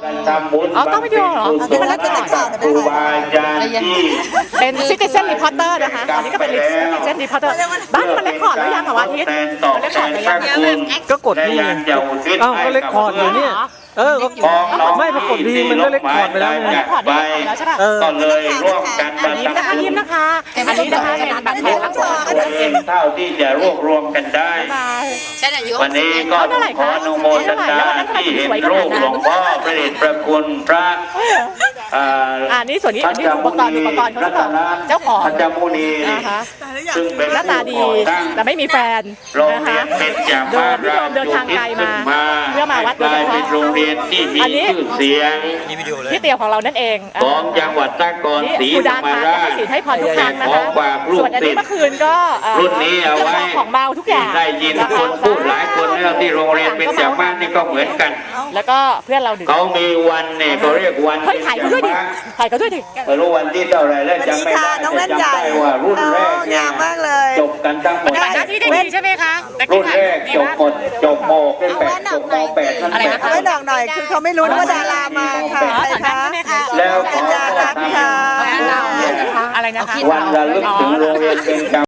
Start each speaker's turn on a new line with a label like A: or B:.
A: ต้องวิดีโอเหรอที่มันเป็นข่าวครูบาอาจารย์ที่เป็นซิติเซนรีพอร์เตอร์นะคะอันนี้ก็เป็นซิติเซนรีพอร์เตอร์บ้านมันเรคคอร์ดแล้วยังเหรอวะอาทิตย์มันเรคคอร์ดแล้วยัง
B: ก็กดดีอ้าวก็เรคคอร์ดอยู่เนี่ยไม่ปรากฏดีมันก็เรคคอร์ดไปแล้วไง
A: ก็เลยร่วมกันอันนี้นะคะยิ้มนะคะอันนี้นะคะเป็นแบบแผนทั้งหมดเท่าที่จะรวบรวมกันได้วันนี้ก็ขออนุโมทนาที่เห็นรูปหลวงพ่อพระเดชพระคุณพระนี่ส่วนนี้อันนี้อุปกรณ์เขาเจ้าของพระเจ้ามุนีซึ่งเป็นหน้าตาดีแต่ไม่มีแฟนนะคะเดินทางไกลมาเพื่อมาวัดโดยเฉพาะโรงเรียนที่มีชื่อเสียงที่เตี่ยวของเรานั่นเองของจังหวัดนครศรีธรรมราชให้พรทุกครั้งนะคะส่วนอันนี้เมื่อคืนก็รุ่นนี้เอาไว้ของเมาทุกอย่างได้ยินคนพูดหลายคนแล้วที่โรงเรียนเป็นจากบ้านนี่ก็เหมือนกันแล้วก็เพื่อนเราดื่มเขามีวันเนี่ยเขาเรียกวันเฮ้ยถ่ายเขาด้วยดิถ่ายเขาด้วยดิไม่รู้วันที่เท่าไรแล้วจำไม่ได้แต่จำได้ว่ารุ่นแรกเนี่ยจบกันทั้งหมดที่ได้ดีใช่ไหมคะรุ่นแรกจบหมดจบโมเป็น8จบม8อะไรนะคะไม่ดอกหน่อยคือเขาไม่รู้ว่าดารามาค่ะแล้วขอรักค่ะอะไรนะคะวันระลึกถึงโรงเรียนเป็น